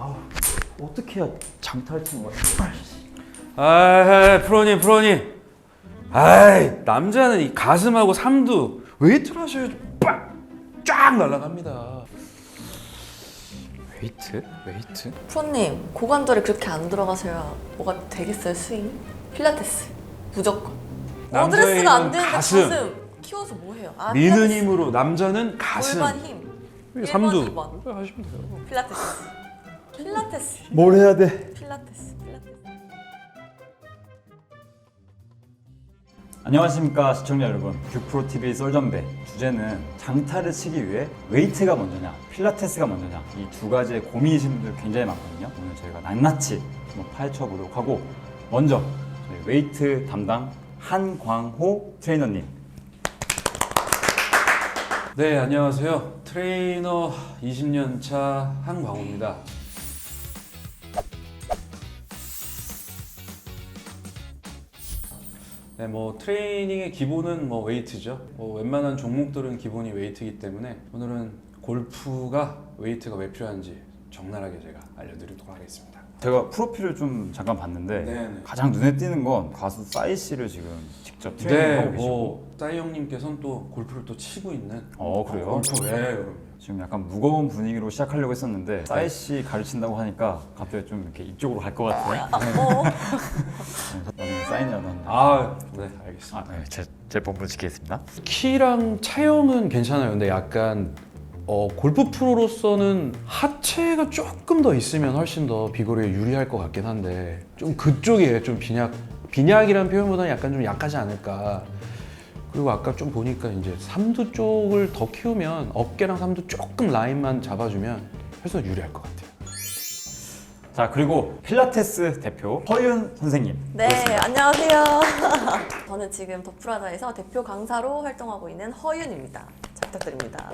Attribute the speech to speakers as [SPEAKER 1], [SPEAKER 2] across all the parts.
[SPEAKER 1] 아우, 어떻게 해야 장타를 치는 거야?
[SPEAKER 2] 아, 프로님. 아이, 남자는 이 가슴하고 삼두 웨이트를 하셔야지 쫙 날아갑니다. 웨이트?
[SPEAKER 3] 프로님, 고관절이 그렇게 안 들어가셔야 뭐가 되겠어요, 스윙? 필라테스, 무조건.
[SPEAKER 2] 남자의
[SPEAKER 3] 어드레스가 안
[SPEAKER 2] 힘은
[SPEAKER 3] 되는데
[SPEAKER 2] 가슴.
[SPEAKER 3] 키워서 뭐해요? 아,
[SPEAKER 2] 미는
[SPEAKER 3] 필라테스.
[SPEAKER 2] 힘으로 남자는 가슴.
[SPEAKER 3] 골반 힘. 1번,
[SPEAKER 2] 삼두.
[SPEAKER 3] 2번.
[SPEAKER 2] 하시면 돼요.
[SPEAKER 3] 필라테스.
[SPEAKER 1] 뭘 해야 돼?
[SPEAKER 3] 필라테스.
[SPEAKER 1] 안녕하십니까 시청자 여러분, 뷰프로TV 썰전배. 주제는 장타를 치기 위해 웨이트가 먼저냐 필라테스가 먼저냐, 이 두 가지의 고민이신 분들 굉장히 많거든요. 오늘 저희가 낱낱이 한번 파헤쳐 보도록 하고, 먼저 저희 웨이트 담당 한광호 트레이너님.
[SPEAKER 2] 네, 안녕하세요. 트레이너 20년 차 한광호입니다. 네, 뭐 트레이닝의 기본은 뭐 웨이트죠. 뭐 웬만한 종목들은 기본이 웨이트이기 때문에 오늘은 골프가 웨이트가 왜 필요한지 적나라하게 제가 알려드리도록 하겠습니다.
[SPEAKER 1] 제가 프로필을 좀 잠깐 봤는데
[SPEAKER 2] 네네.
[SPEAKER 1] 가장 눈에 띄는 건 가수 싸이 씨를 지금 직접
[SPEAKER 2] 네,
[SPEAKER 1] 트레이닝하고 계시고.
[SPEAKER 2] 뭐 싸이 형님께서는 또 골프를 또 치고 있는.
[SPEAKER 1] 그래요?
[SPEAKER 2] 골프, 네, 그럼요.
[SPEAKER 1] 지금 약간 무거운 분위기로 시작하려고 했었는데 싸이 씨 가르친다고 하니까 갑자기 좀 이렇게 이쪽으로 갈 것 같아요. 나중에 사인이라도 한다.
[SPEAKER 2] 아, 네, 알겠습니다.
[SPEAKER 1] 네, 제 본분 지키겠습니다.
[SPEAKER 2] 키랑 체형은 괜찮아요. 근데 약간 골프 프로로서는 하체가 조금 더 있으면 훨씬 더 비거리에 유리할 것 같긴 한데 좀 그쪽에 좀 빈약이라는 표현보다는 약간 좀 약하지 않을까. 그리고 아까 좀 보니까 이제 삼두 쪽을 더 키우면 어깨랑 삼두 조금 라인만 잡아주면 훨씬 더 유리할 것 같아요.
[SPEAKER 1] 자, 그리고 필라테스 대표 허윤 선생님.
[SPEAKER 3] 네, 안녕하세요. 저는 지금 더프라자에서 대표 강사로 활동하고 있는 허윤입니다. 잘 부탁드립니다.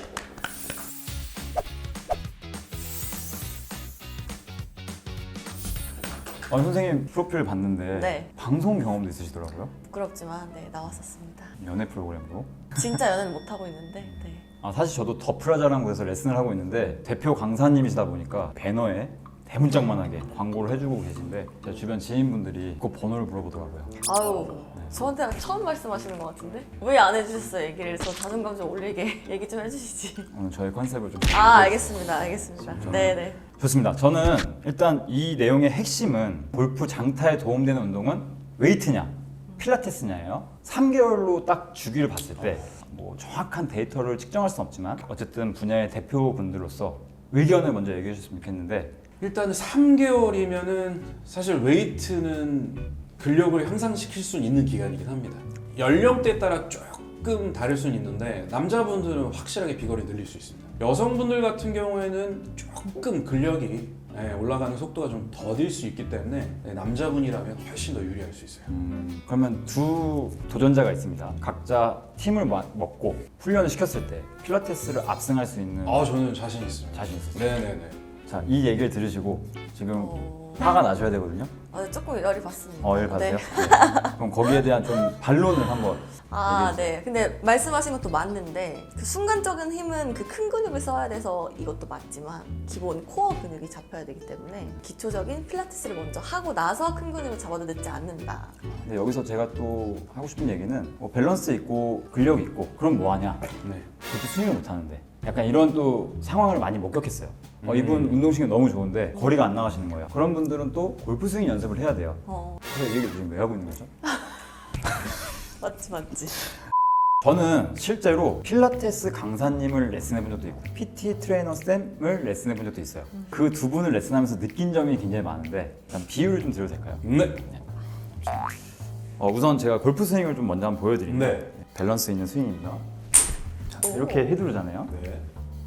[SPEAKER 1] 선생님 프로필 봤는데
[SPEAKER 3] 네.
[SPEAKER 1] 방송 경험도 있으시더라고요.
[SPEAKER 3] 부끄럽지만 네, 나왔었습니다.
[SPEAKER 1] 연애 프로그램으로.
[SPEAKER 3] 진짜 연애는 못하고 있는데 네.
[SPEAKER 1] 사실 저도 더 프라자라는 곳에서 레슨을 하고 있는데 대표 강사님이시다 보니까 배너에 대문짝만하게 광고를 해주고 계신데 제 주변 지인분들이 그 번호를 물어보더라고요.
[SPEAKER 3] 아유, 저한테 처음 말씀하시는 것 같은데? 왜 안 해주셨어요, 얘기를? 저 자존감 좀 올리게 얘기 좀 해주시지.
[SPEAKER 1] 오늘 저희 컨셉을 좀.
[SPEAKER 3] 알겠습니다. 네네.
[SPEAKER 1] 좋습니다. 저는 일단 이 내용의 핵심은 골프 장타에 도움되는 운동은 웨이트냐 필라테스냐예요. 3개월로 딱 주기를 봤을 때 뭐 정확한 데이터를 측정할 수는 없지만 어쨌든 분야의 대표분들로서 의견을 먼저 얘기해 주셨으면 좋겠는데,
[SPEAKER 2] 일단 3개월이면은 사실 웨이트는 근력을 향상시킬 수 있는 기간이긴 합니다. 연령대에 따라 조금 다를 수는 있는데 남자분들은 확실하게 비거리 늘릴 수 있습니다. 여성분들 같은 경우에는 조금 근력이 올라가는 속도가 좀 더딜 수 있기 때문에 남자분이라면 훨씬 더 유리할 수 있어요.
[SPEAKER 1] 그러면 두 도전자가 있습니다. 각자 팀을 먹고 훈련을 시켰을 때 필라테스를 압승할 수 있는.
[SPEAKER 2] 저는 자신 있습니다.
[SPEAKER 1] 자신 있어요.
[SPEAKER 2] 네네네.
[SPEAKER 1] 자, 이 얘기를 들으시고 지금 화가 나셔야 되거든요.
[SPEAKER 3] 조금 열이 받습니다.
[SPEAKER 1] 열 받으세요? 네. 그럼 거기에 대한 좀 반론을 한번.
[SPEAKER 3] 네. 근데 말씀하신 것도 맞는데 그 순간적인 힘은 그 큰 근육을 써야 돼서 이것도 맞지만 기본 코어 근육이 잡혀야 되기 때문에 기초적인 필라테스를 먼저 하고 나서 큰 근육을 잡아도 늦지 않는다.
[SPEAKER 1] 근데 여기서 제가 또 하고 싶은 얘기는 밸런스 있고 근력 있고 그럼 뭐하냐?
[SPEAKER 2] 네.
[SPEAKER 1] 그렇게 스윙을 못하는데 약간 이런 또 상황을 많이 목격했어요. 이분 운동신경 너무 좋은데 거리가 안 나가시는 거예요. 그런 분들은 또 골프 스윙 연습을 해야 돼요. 그래서 이 얘기를 지금 왜 하고 있는 거죠?
[SPEAKER 3] 맞지.
[SPEAKER 1] 저는 실제로 필라테스 강사님을 레슨해 본 적도 있고 PT 트레이너 쌤을 레슨해 본 적도 있어요. 그 두 분을 레슨하면서 느낀 점이 굉장히 많은데 일단 비유를 좀 드려도 될까요?
[SPEAKER 2] 네.
[SPEAKER 1] 우선 제가 골프 스윙을 좀 먼저 한번 보여드릴게요.
[SPEAKER 2] 네.
[SPEAKER 1] 밸런스 있는 스윙입니다. 자, 이렇게 휘두르잖아요.
[SPEAKER 2] 네.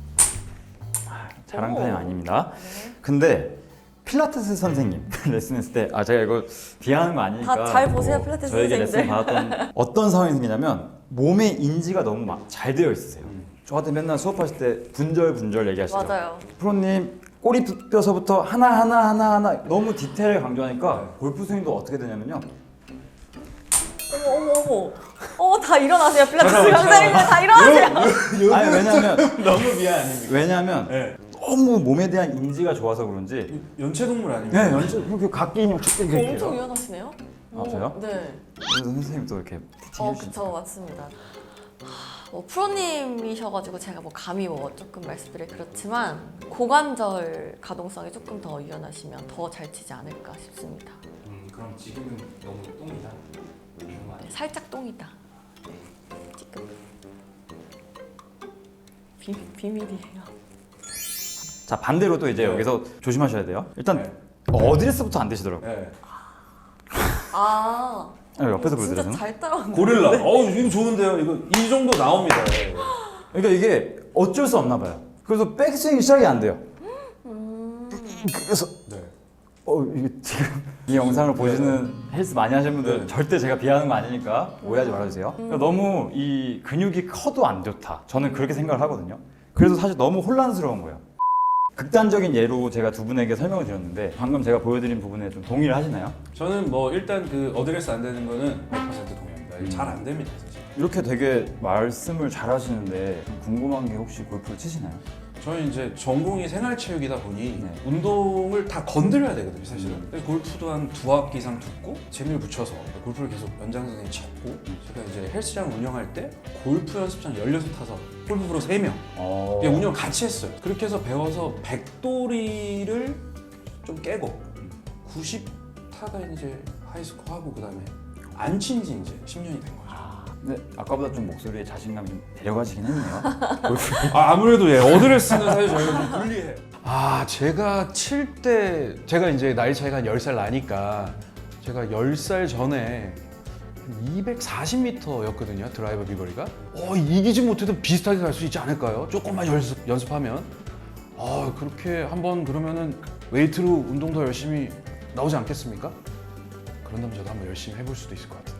[SPEAKER 1] 잘한 타임 아닙니다. 근데 필라테스 선생님 레슨했을 때 제가 이거 비하하는 거 아니니까
[SPEAKER 3] 다 잘 보세요, 필라테스
[SPEAKER 1] 저에게
[SPEAKER 3] 선생님들.
[SPEAKER 1] 레슨 받았던 어떤 상황이 생기냐면 몸의 인지가 너무 잘 되어 있으세요. 저한테 맨날 수업하실 때 분절 얘기하시죠.
[SPEAKER 3] 맞아요.
[SPEAKER 1] 프로님 꼬리 뼈서부터 하나 너무 디테일을 강조하니까 골프 스윙도 어떻게 되냐면요.
[SPEAKER 3] 어머, 다 일어나세요, 필라테스 강사님들 다 일어나세요.
[SPEAKER 1] 아니 왜냐면
[SPEAKER 2] 너무 미안 아닙니까?
[SPEAKER 1] 왜냐면
[SPEAKER 2] 네.
[SPEAKER 1] 너무 몸에 대한 인지가 좋아서 그런지
[SPEAKER 2] 연체동물 아닙니까?
[SPEAKER 1] 네, 연습 이렇게 각기 인형 쭉 이렇게
[SPEAKER 3] 엄청
[SPEAKER 1] 해요.
[SPEAKER 3] 유연하시네요.
[SPEAKER 1] 아, 저요?
[SPEAKER 3] 네.
[SPEAKER 1] 그래서 선생님도 이렇게 티칭 해주시니까.
[SPEAKER 3] 그쵸, 맞습니다. 뭐 프로님이셔가지고 제가 뭐 감히 뭐 조금 말씀드리기 그렇지만 고관절 가동성이 조금 더 유연하시면 더 잘 치지 않을까 싶습니다.
[SPEAKER 2] 그럼 지금은 너무 똥이다.
[SPEAKER 3] 네, 살짝 똥이다. 지금 비밀이에요.
[SPEAKER 1] 자, 반대로 또 이제
[SPEAKER 2] 네.
[SPEAKER 1] 여기서 조심하셔야 돼요. 일단
[SPEAKER 2] 네.
[SPEAKER 1] 어드레스부터 안 되시더라고요.
[SPEAKER 2] 네.
[SPEAKER 3] 아,
[SPEAKER 1] 옆에서
[SPEAKER 3] 진짜
[SPEAKER 1] 보여드려요.
[SPEAKER 3] 잘 따라왔네.
[SPEAKER 2] 고릴라. 이거 좋은데요. 이거 이 정도 나옵니다.
[SPEAKER 1] 그러니까 이게 어쩔 수 없나 봐요. 그래서 백스윙이 시작이 안 돼요. 그래서
[SPEAKER 2] 네.
[SPEAKER 1] 이게 지금 이 영상을 보시는 헬스 많이 하시는 분들
[SPEAKER 2] 네.
[SPEAKER 1] 절대 제가 비하하는 거 아니니까 오해하지 말아주세요. 그러니까 너무 이 근육이 커도 안 좋다. 저는 그렇게 생각을 하거든요. 그래서 사실 너무 혼란스러운 거예요. 극단적인 예로 제가 두 분에게 설명을 드렸는데 방금 제가 보여드린 부분에 좀 동의를 하시나요?
[SPEAKER 2] 저는 뭐 일단 그 어드레스 안 되는 거는 100% 동의합니다. 잘 안 됩니다, 사실.
[SPEAKER 1] 이렇게 되게 말씀을 잘 하시는데 궁금한 게 혹시 골프를 치시나요?
[SPEAKER 2] 저는 이제 전공이 생활체육이다 보니
[SPEAKER 1] 네.
[SPEAKER 2] 운동을 다 건드려야 되거든요, 사실은. 근데 골프도 한 2학기 이상 듣고 재미를 붙여서 골프를 계속 연장선에 쳤고 제가 이제 헬스장 운영할 때 골프 연습장 16 타서 골프프로 3명 운영 같이 했어요. 그렇게 해서 배워서 100도리를 좀 깨고 90 타가 이제 하이스코어 하고 그다음에 안 친 지 이제 10년이 된 거죠.
[SPEAKER 1] 근데 아까보다 좀 목소리에 자신감이 좀 데려가시긴 했네요.
[SPEAKER 2] 아무래도 어드레스는 사실 저희가 좀 불리해요. 제가 칠 때 제가 이제 나이 차이가 한 10살 나니까 제가 10살 전에 240m였거든요, 드라이버 비거리가. 이기지 못해도 비슷하게 갈 수 있지 않을까요? 조금만 연습하면. 그렇게 한번 그러면은 웨이트로 운동 더 열심히 나오지 않겠습니까? 그런다면 저도 한번 열심히 해볼 수도 있을 것 같은데.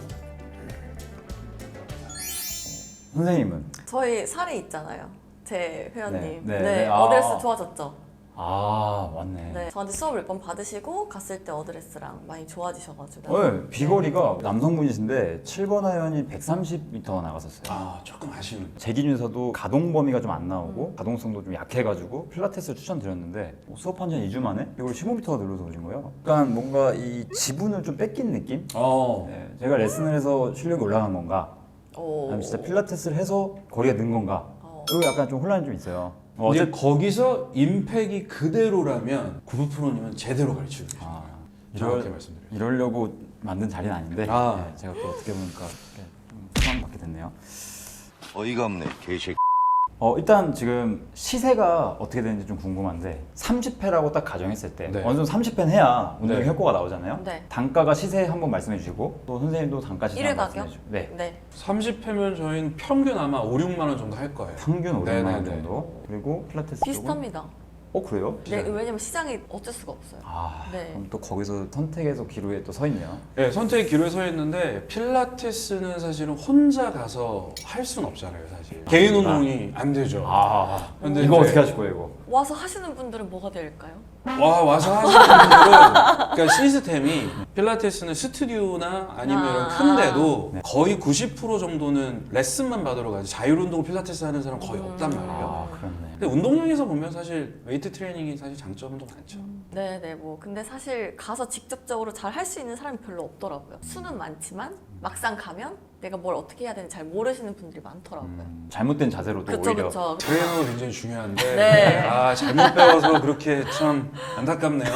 [SPEAKER 1] 선생님은?
[SPEAKER 3] 저희 사례 있잖아요. 제 회원님.
[SPEAKER 1] 네.
[SPEAKER 3] 어드레스 좋아졌죠?
[SPEAKER 1] 맞네.
[SPEAKER 3] 네. 저한테 수업을 몇 번 받으시고 갔을 때 어드레스랑 많이 좋아지셔가지고.
[SPEAKER 1] 비거리가 남성분이신데 7번 아이언이 130m 나갔었어요.
[SPEAKER 2] 조금 아쉬운.
[SPEAKER 1] 제 기준에서도 가동 범위가 좀 안 나오고 가동성도 좀 약해가지고 필라테스를 추천드렸는데 수업한 지 한 2주 만에 이걸 15m가 늘어서 오신 거예요. 약간 뭔가 이 지분을 좀 뺏긴 느낌? 네, 제가 레슨을 해서 실력이 올라간 건가? 아니면 진짜 필라테스를 해서 거리가 는 건가? 이거 약간 좀 혼란이 좀 있어요.
[SPEAKER 2] 이제 거기서 임팩이 그대로라면 구부 프로님은 제대로 가르치고 계세요. 정확히 말씀드려요.
[SPEAKER 1] 이러려고 만든 자리는 아닌데
[SPEAKER 2] 아.
[SPEAKER 1] 네, 제가 또 어떻게 보니까 수강받게 됐네요.
[SPEAKER 4] 어이가 없네, 개새끼.
[SPEAKER 1] 일단 지금 시세가 어떻게 되는지 좀 궁금한데 30회라고 딱 가정했을 때
[SPEAKER 2] 네.
[SPEAKER 1] 어느 정도 30회는 해야 운동의
[SPEAKER 2] 네.
[SPEAKER 1] 효과가 나오잖아요.
[SPEAKER 3] 네.
[SPEAKER 1] 단가가 시세 한번 말씀해 주시고 또 선생님도 단가 시세
[SPEAKER 3] 일회
[SPEAKER 1] 한번
[SPEAKER 3] 가격?
[SPEAKER 1] 말씀해 주시고 네.
[SPEAKER 3] 네.
[SPEAKER 2] 30회면 저희는 평균 아마 5, 6만 원 정도 할 거예요.
[SPEAKER 1] 평균 500만 원
[SPEAKER 2] 네네네.
[SPEAKER 1] 정도 그리고 필라테스 쪽은
[SPEAKER 3] 비슷합니다.
[SPEAKER 1] 그래요?
[SPEAKER 3] 네, 왜냐면 시장이 어쩔 수가 없어요. 네.
[SPEAKER 1] 그럼 또 거기서 선택해서 기로에 또 서 있네요.
[SPEAKER 2] 네, 선택의 기로에 서 있는데 필라테스는 사실은 혼자 가서 할 수는 없잖아요, 사실. 개인 운동이 안 되죠. 근데
[SPEAKER 1] 이거
[SPEAKER 2] 이제
[SPEAKER 1] 어떻게 하실 거예요, 이거?
[SPEAKER 3] 와서 하시는 분들은 뭐가 될까요?
[SPEAKER 2] 와서 하시는 분들은 그러니까 시스템이 필라테스는 스튜디오나 아니면 이런 큰 데도
[SPEAKER 1] 네.
[SPEAKER 2] 거의 90% 정도는 레슨만 받으러 가지 자율운동 필라테스 하는 사람 거의 없단 말이에요.
[SPEAKER 1] 그렇네.
[SPEAKER 2] 근데 운동량에서 보면 사실 웨이트 트레이닝이 사실 장점도 많죠.
[SPEAKER 3] 네네 뭐 근데 사실 가서 직접적으로 잘 할 수 있는 사람이 별로 없더라고요. 수는 많지만 막상 가면 내가 뭘 어떻게 해야 되는지 잘 모르시는 분들이 많더라고요.
[SPEAKER 1] 잘못된 자세로도
[SPEAKER 3] 그쵸
[SPEAKER 1] 오히려
[SPEAKER 3] 그쵸.
[SPEAKER 2] 트레이너가 굉장히 중요한데
[SPEAKER 3] 네.
[SPEAKER 2] 잘못 배워서 그렇게 참 안타깝네요.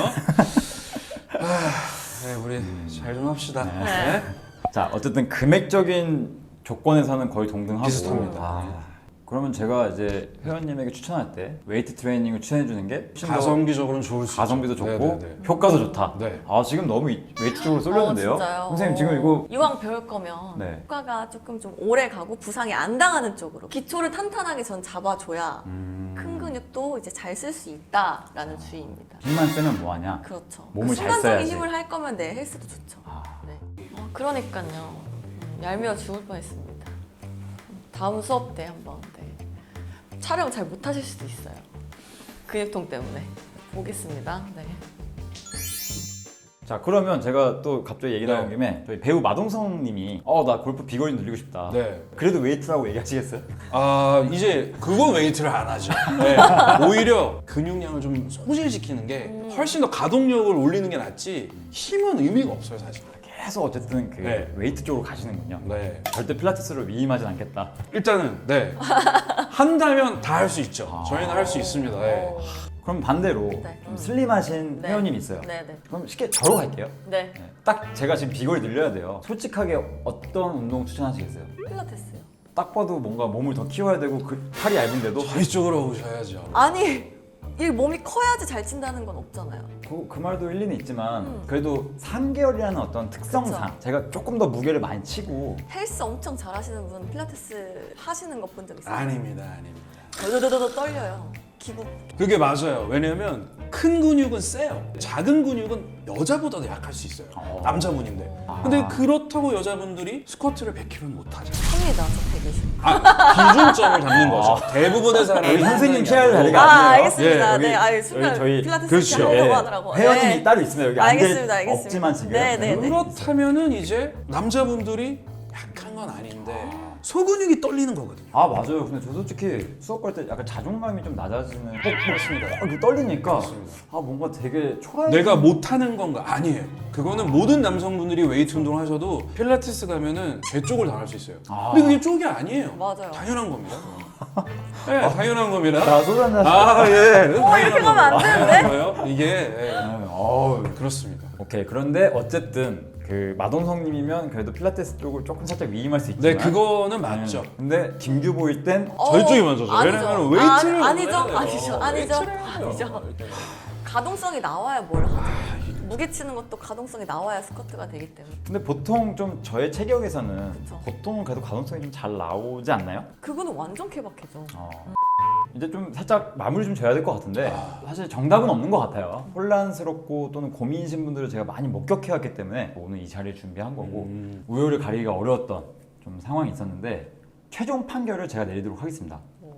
[SPEAKER 2] 네, 우리 잘 좀 합시다.
[SPEAKER 3] 네.
[SPEAKER 1] 자, 어쨌든 금액적인 조건에서는 거의 동등하고
[SPEAKER 2] 비슷합니다.
[SPEAKER 1] 그러면 제가 이제 회원님에게 추천할 때 웨이트 트레이닝을 추천해 주는 게 훨씬 더
[SPEAKER 2] 가성비적으로는 좋을 수
[SPEAKER 1] 가성비도
[SPEAKER 2] 있죠.
[SPEAKER 1] 좋고
[SPEAKER 2] 네네네.
[SPEAKER 1] 효과도 좋다.
[SPEAKER 2] 네.
[SPEAKER 1] 지금 너무 웨이트 쪽으로 쏠렸는데요.
[SPEAKER 3] 진짜요?
[SPEAKER 1] 선생님 지금 이거
[SPEAKER 3] 이왕 배울 거면
[SPEAKER 1] 네.
[SPEAKER 3] 효과가 조금 좀 오래 가고 부상이 안 당하는 쪽으로 기초를 탄탄하게 전 잡아줘야 큰 근육도 이제 잘 쓸 수 있다라는 주의입니다.
[SPEAKER 1] 힘만 쓰면 뭐하냐?
[SPEAKER 3] 그렇죠.
[SPEAKER 1] 몸을 잘
[SPEAKER 3] 순간적인
[SPEAKER 1] 써야지.
[SPEAKER 3] 힘을 할 거면 내 헬스도 좋죠. 네. 그러니까요. 얄미워 죽을 뻔했습니다. 다음 수업 때 한번 촬영 잘 못하실 수도 있어요. 근육통 때문에. 보겠습니다. 네.
[SPEAKER 1] 자, 그러면 제가 또 갑자기 얘기 나온
[SPEAKER 2] 네.
[SPEAKER 1] 김에 저희 배우 마동성 님이 나 골프 비거리 늘리고 싶다.
[SPEAKER 2] 네.
[SPEAKER 1] 그래도 웨이트라고 얘기하시겠어요?
[SPEAKER 2] 이제 그건 웨이트를 안 하죠. 네. 오히려 근육량을 좀 소실시키는 게 훨씬 더 가동력을 올리는 게 낫지 힘은 의미가 없어요 사실.
[SPEAKER 1] 계속 어쨌든 그
[SPEAKER 2] 네.
[SPEAKER 1] 웨이트 쪽으로 가시는군요.
[SPEAKER 2] 네.
[SPEAKER 1] 절대 필라테스로 위임하진 않겠다.
[SPEAKER 2] 일단은 네 한다면 다 할 수 있죠. 저희는 할 수 있습니다. 네.
[SPEAKER 1] 그럼 반대로
[SPEAKER 3] 네.
[SPEAKER 1] 좀 슬림하신
[SPEAKER 3] 네.
[SPEAKER 1] 회원님이 있어요.
[SPEAKER 3] 네네.
[SPEAKER 1] 그럼 쉽게 저로 갈게요.
[SPEAKER 3] 네.
[SPEAKER 1] 네. 딱 제가 지금 비거리 늘려야 돼요. 솔직하게 어떤 운동 추천하시겠어요?
[SPEAKER 3] 필라테스요.
[SPEAKER 1] 딱 봐도 뭔가 몸을 더 키워야 되고 그 팔이 얇은데도
[SPEAKER 2] 저희 쪽으로 오셔야죠.
[SPEAKER 3] 아니 이 몸이 커야지 잘 친다는 건 없잖아요.
[SPEAKER 1] 그 말도 일리는 있지만 그래도 3개월이라는 어떤 특성상
[SPEAKER 3] 그쵸.
[SPEAKER 1] 제가 조금 더 무게를 많이 치고
[SPEAKER 3] 헬스 엄청 잘하시는 분 필라테스 하시는 거 본 적 있어요?
[SPEAKER 2] 아닙니다.
[SPEAKER 3] 더더더더 떨려요. 기구.
[SPEAKER 2] 그게 맞아요. 왜냐면 큰 근육은 세요. 작은 근육은 여자보다도 약할 수 있어요. 남자분인데. 근데 그렇다고 여자분들이 스쿼트를 100kg는 못하죠.
[SPEAKER 3] 합니다. 저 120.
[SPEAKER 2] 기준점을 잡는 거죠. 대부분의 사람이
[SPEAKER 1] 우리 선생님
[SPEAKER 2] 하는 게
[SPEAKER 1] 케어할
[SPEAKER 2] 아니고.
[SPEAKER 1] 자리가
[SPEAKER 3] 아
[SPEAKER 1] 아니에요.
[SPEAKER 3] 알겠습니다.
[SPEAKER 1] 여기-
[SPEAKER 3] 네, 아유
[SPEAKER 1] 여기
[SPEAKER 3] 순간
[SPEAKER 1] 저희
[SPEAKER 3] 필라테스
[SPEAKER 2] 그렇죠.
[SPEAKER 3] 이렇게 하려고
[SPEAKER 1] 예,
[SPEAKER 3] 하더라고.
[SPEAKER 1] 회원님이
[SPEAKER 3] 네.
[SPEAKER 1] 따로 있습니다. 여기 앉을
[SPEAKER 3] 알겠습니다. 알겠습니다.
[SPEAKER 1] 없지만 지금.
[SPEAKER 3] 네, 네, 네.
[SPEAKER 2] 그렇다면은 이제 남자분들이 약한 건 아닌데 소근육이 떨리는 거거든요.
[SPEAKER 1] 아 맞아요. 근데 저 솔직히 수업 갈 때 약간 자존감이 좀 낮아지는. 그렇습니다. 이거 떨리니까 아 뭔가 되게 초라해.
[SPEAKER 2] 내가 못하는 건가? 아니에요. 그거는 모든 남성분들이 웨이트 운동을 하셔도 필라테스 가면은 제 쪽을 당할 수 있어요.
[SPEAKER 1] 아.
[SPEAKER 2] 근데 그게 쪽이 아니에요.
[SPEAKER 3] 맞아요.
[SPEAKER 2] 당연한 겁니다. 네, 당연한 겁니다.
[SPEAKER 1] 자 소주 한잔.
[SPEAKER 2] 아 예.
[SPEAKER 3] 이렇게 가면 안 되는데?
[SPEAKER 2] 이게 예.
[SPEAKER 1] 어우.
[SPEAKER 2] 그렇습니다.
[SPEAKER 1] 오케이. 그런데 어쨌든 그 마동성님이면 그래도 필라테스 쪽을 조금 살짝 위임할 수 있지만.
[SPEAKER 2] 네, 그거는 맞죠.
[SPEAKER 1] 근데 김규보일 땐
[SPEAKER 2] 저희 쪽이 먼저죠.
[SPEAKER 3] 아니죠.
[SPEAKER 2] 왜냐면 웨이트를
[SPEAKER 3] 아니죠.
[SPEAKER 2] 해야 돼요.
[SPEAKER 3] 아니죠. 아니죠.
[SPEAKER 2] 웨이트를 해야 돼요.
[SPEAKER 3] 아니죠. 가동성이 나와야 뭘 하죠. 무게 치는 것도 가동성이 나와야 스쿼트가 되기 때문에.
[SPEAKER 1] 근데 보통 좀 저의 체격에서는
[SPEAKER 3] 그쵸.
[SPEAKER 1] 보통은 그래도 가동성이 좀 잘 나오지 않나요?
[SPEAKER 3] 그거는 완전 케바케죠.
[SPEAKER 1] 이제 좀 살짝 마무리 좀 져야 될 것 같은데 사실 정답은 없는 것 같아요. 혼란스럽고 또는 고민이신 분들을 제가 많이 목격해왔기 때문에 오늘 이 자리를 준비한 거고 우열을 가리기가 어려웠던 좀 상황이 있었는데 최종 판결을 제가 내리도록 하겠습니다.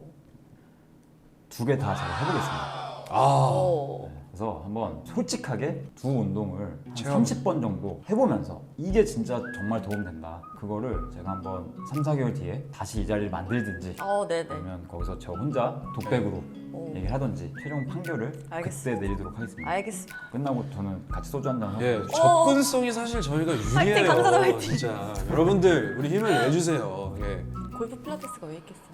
[SPEAKER 1] 두 개 다 제가 해보겠습니다.
[SPEAKER 3] 오.
[SPEAKER 1] 그래서 한번 솔직하게 두 운동을 한
[SPEAKER 2] 체험.
[SPEAKER 1] 30번 정도 해보면서 이게 진짜 정말 도움된다. 그거를 제가 한번 3, 4개월 뒤에 다시 이 자리를 만들든지
[SPEAKER 3] 네네.
[SPEAKER 1] 아니면 거기서 저 혼자 독백으로
[SPEAKER 3] 오.
[SPEAKER 1] 얘기를 하든지 최종 판결을
[SPEAKER 3] 알겠습니다.
[SPEAKER 1] 그때 내리도록 하겠습니다.
[SPEAKER 3] 알겠습니다.
[SPEAKER 1] 끝나고 저는 같이 소주 한잔 하고
[SPEAKER 2] 예, 접근성이 사실 저희가 유리해요.
[SPEAKER 3] 강사들 화이팅!
[SPEAKER 2] 진짜 여러분들 우리 힘을 내주세요. 예.
[SPEAKER 3] 골프 필라테스가 왜 있겠어요?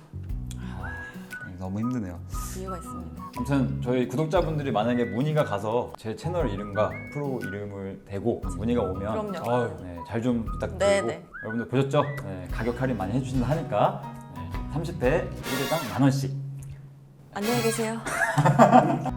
[SPEAKER 1] 너무 힘드네요.
[SPEAKER 3] 이유가 있습니다.
[SPEAKER 1] 아무튼 저희 구독자분들이 만약에 문의가 가서 제 채널 이름과 프로 이름을 대고 문의가 오면
[SPEAKER 3] 그럼요.
[SPEAKER 2] 아유,
[SPEAKER 1] 네, 잘 좀 부탁드리고
[SPEAKER 3] 네네.
[SPEAKER 1] 여러분들 보셨죠? 네, 가격 할인 많이 해주신다 하니까 30회 1회당 10,000원씩
[SPEAKER 3] 안녕히 계세요.